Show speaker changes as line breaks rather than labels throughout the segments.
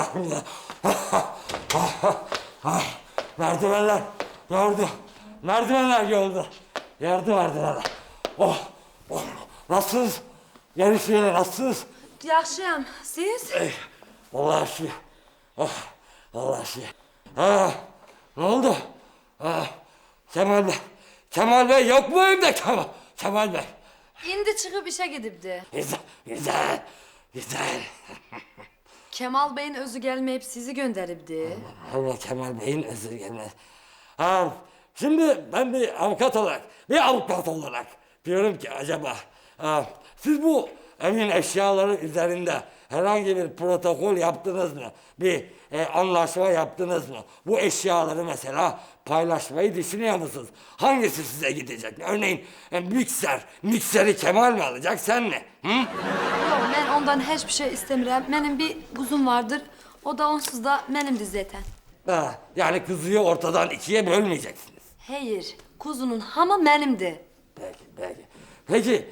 Merdivenler gördü. Merdivenler gördü. Yardım merdivenler. Oh. Nasılsınız? Gelişmeyle nasılsınız?
Yaxşıyam. Siz?
Vallahi şey. Vallahi şey. Ha, ne oldu? Kemal Bey. Kemal Bey yok mu evde Kemal Bey?
İndi çıkıp işe gidibdi.
Güzel.
Kemal Bey'in özü gelmeyip sizi gönderibdi.
Allah Kemal Bey'in özür gelmez. Şimdi ben bir avukat olarak diyorum ki acaba siz bu evin eşyaları üzerinde herhangi bir protokol yaptınız mı? Bir anlaşma yaptınız mı? Bu eşyaları mesela paylaşmayı düşünüyor musunuz? Hangisi size gidecek? Örneğin mikseri Kemal mi alacak, sen mi? Hı?
Yok, ben ondan hiçbir şey istemiyorum. Benim bir kuzum vardır. O da onsuz da benimdir zaten.
Yani kızıyı ortadan ikiye bölmeyeceksiniz.
Hayır, kuzunun hamı benimdi.
Peki,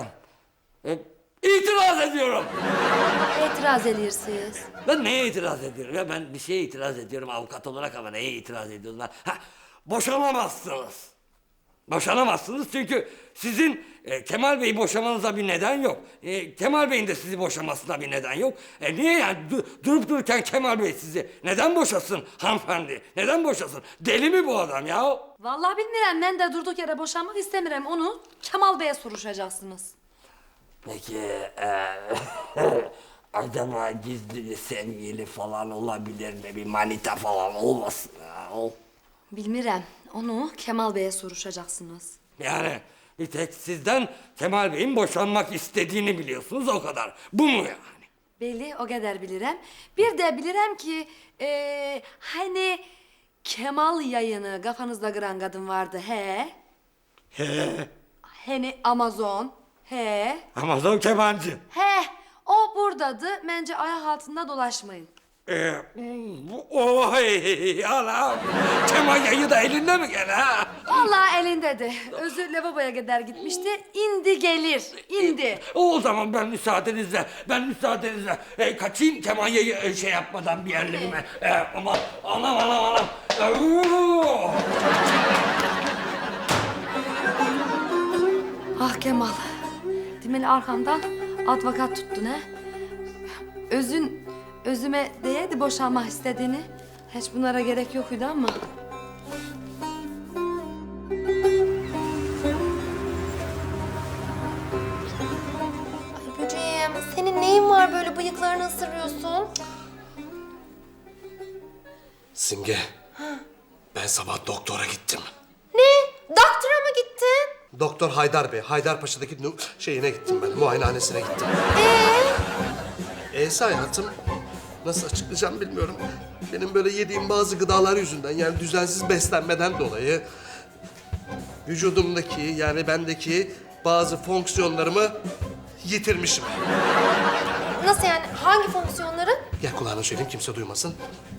itiraz ediyorum.
İtiraz edirsiniz.
Ben neye itiraz ediyorum ya? Ben bir şeye itiraz ediyorum avukat olarak ama neye itiraz ediyorum ben? Boşanamazsınız. Boşanamazsınız çünkü sizin Kemal Bey'i boşamanıza bir neden yok. Kemal Bey'in de sizi boşamasına bir neden yok. Niye yani durup dururken Kemal Bey sizi neden boşasın hanımefendi? Neden boşasın? Deli mi bu adam ya?
Vallahi bilmiyorum, ben de durduk yere boşanmak istemiyorum. Onu Kemal Bey'e soruşacaksınız.
Peki acaba gizli bir sevgili falan olabilir mi? Bir manita falan olmasın ya?
Bilmiyorum, onu Kemal Bey'e soruşacaksınız.
Yani bir tek sizden Kemal Bey'in boşanmak istediğini biliyorsunuz, o kadar. Bu mu yani?
Belli, o kadar bilirim. Bir de bilirim ki hani Kemal yayını kafanızda kıran kadın vardı he? Hani Amazon he?
Amazon kemancı.
He, o buradadı. Bence ayak altında dolaşmayın.
Oy anam. Kemal yayı da elinde mi gene ha?
Vallahi elindedi. Özü lavaboya kadar gitmişti. İndi gelir, indi.
O zaman ben müsaadenizle kaçayım Kemal yayı şey yapmadan bir yerlerime. Aman anam.
Ah Kemal, demeli arkamdan advokat tuttun he? Özüme değeydi boşanmak istediğini. Hiç bunlara gerek yokuydu ama.
Ay böceğim, senin neyin var böyle bıyıklarını ısırıyorsun?
Simge, ben sabah doktora gittim.
Ne? Doktora mı gittin?
Doktor Haydar Bey, Haydarpaşa'daki şeyine gittim ben, muayenehanesine gittim. Hayatım, nasıl açıklayacağım bilmiyorum. Benim böyle yediğim bazı gıdalar yüzünden, yani düzensiz beslenmeden dolayı... ...vücudumdaki, yani bendeki bazı fonksiyonlarımı yitirmişim.
Nasıl yani? Hangi fonksiyonları?
Gel kulağına söyleyeyim, kimse duymasın.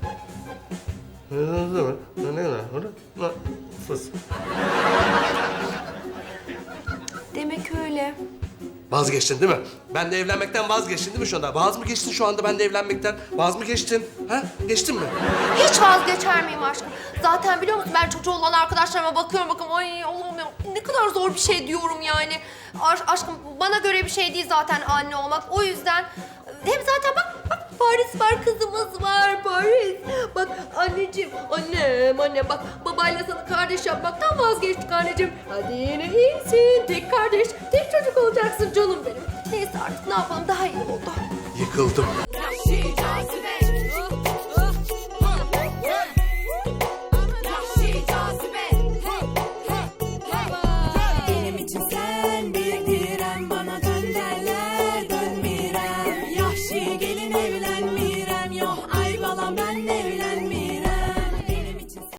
Demek öyle.
Vazgeçtin değil mi? Ben de evlenmekten vazgeçtin değil mi şu anda? Vaz mı geçtin şu anda ben de evlenmekten? Vaz mı geçtin? Ha? Geçtin mi?
Hiç vazgeçer miyim aşkım? Zaten biliyor musun ben çocuğu olan arkadaşlarıma bakıyorum ay Allah'ım ya ne kadar zor bir şey diyorum yani. Aşkım bana göre bir şey değil zaten anne olmak. O yüzden hem zaten bak Paris var, kızımız var Paris. Bak anneciğim, annem bak babayla sana kardeş yapmaktan vazgeçtik anneciğim. Hadi yine iyisin, tek kardeş, tek çocuk olacaksın canım benim. Neyse artık ne yapalım daha iyi oldu.
Yıkıldım.